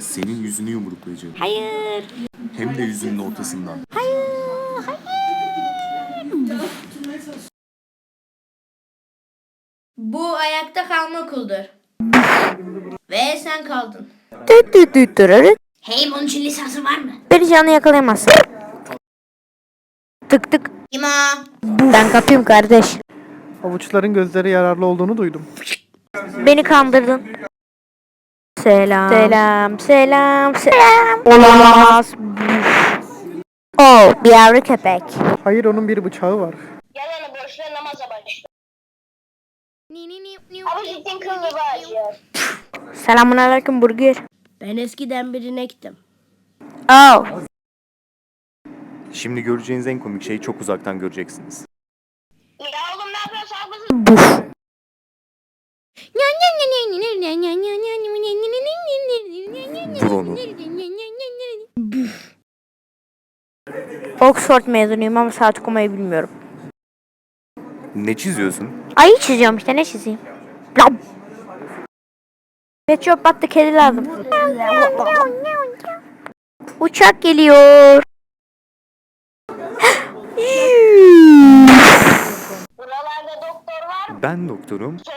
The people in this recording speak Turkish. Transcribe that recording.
Senin yüzünü yumruklayacağım. Hayır. Hem de yüzünün ortasından. Hayır. Bu ayakta kalma okuldur. Ve sen kaldın. Hey, bunun için lisansı var mı? Beni canlı yakalayamazsın. Tık tık. Kim o? Ben kapıyım kardeş. Avuçların gözleri yararlı olduğunu duydum. Beni kandırdın. Selam. Selam. Selam. Selam. Olamaz. Oh, bir yavru köpek. Hayır, onun bir bıçağı var. Yalanı boşuna namaza başla. Ama cidden kıllı acıyor. Selamun aleyküm burger. Ben eskiden bir inektim. Oh. Şimdi göreceğiniz en komik şeyi çok uzaktan göreceksiniz. Ya oğlum ne yapıyorsun? Haklısın. Buf. Vur onu. Oxford mezunuyum ama saat okumayı bilmiyorum. Ne çiziyorsun? Ayı çiziyorum işte, ne çizeyim? Lam. Pet shop battı, kedi lazım. Uçak geliyor. Buralarda doktor var mı? Ben doktorum.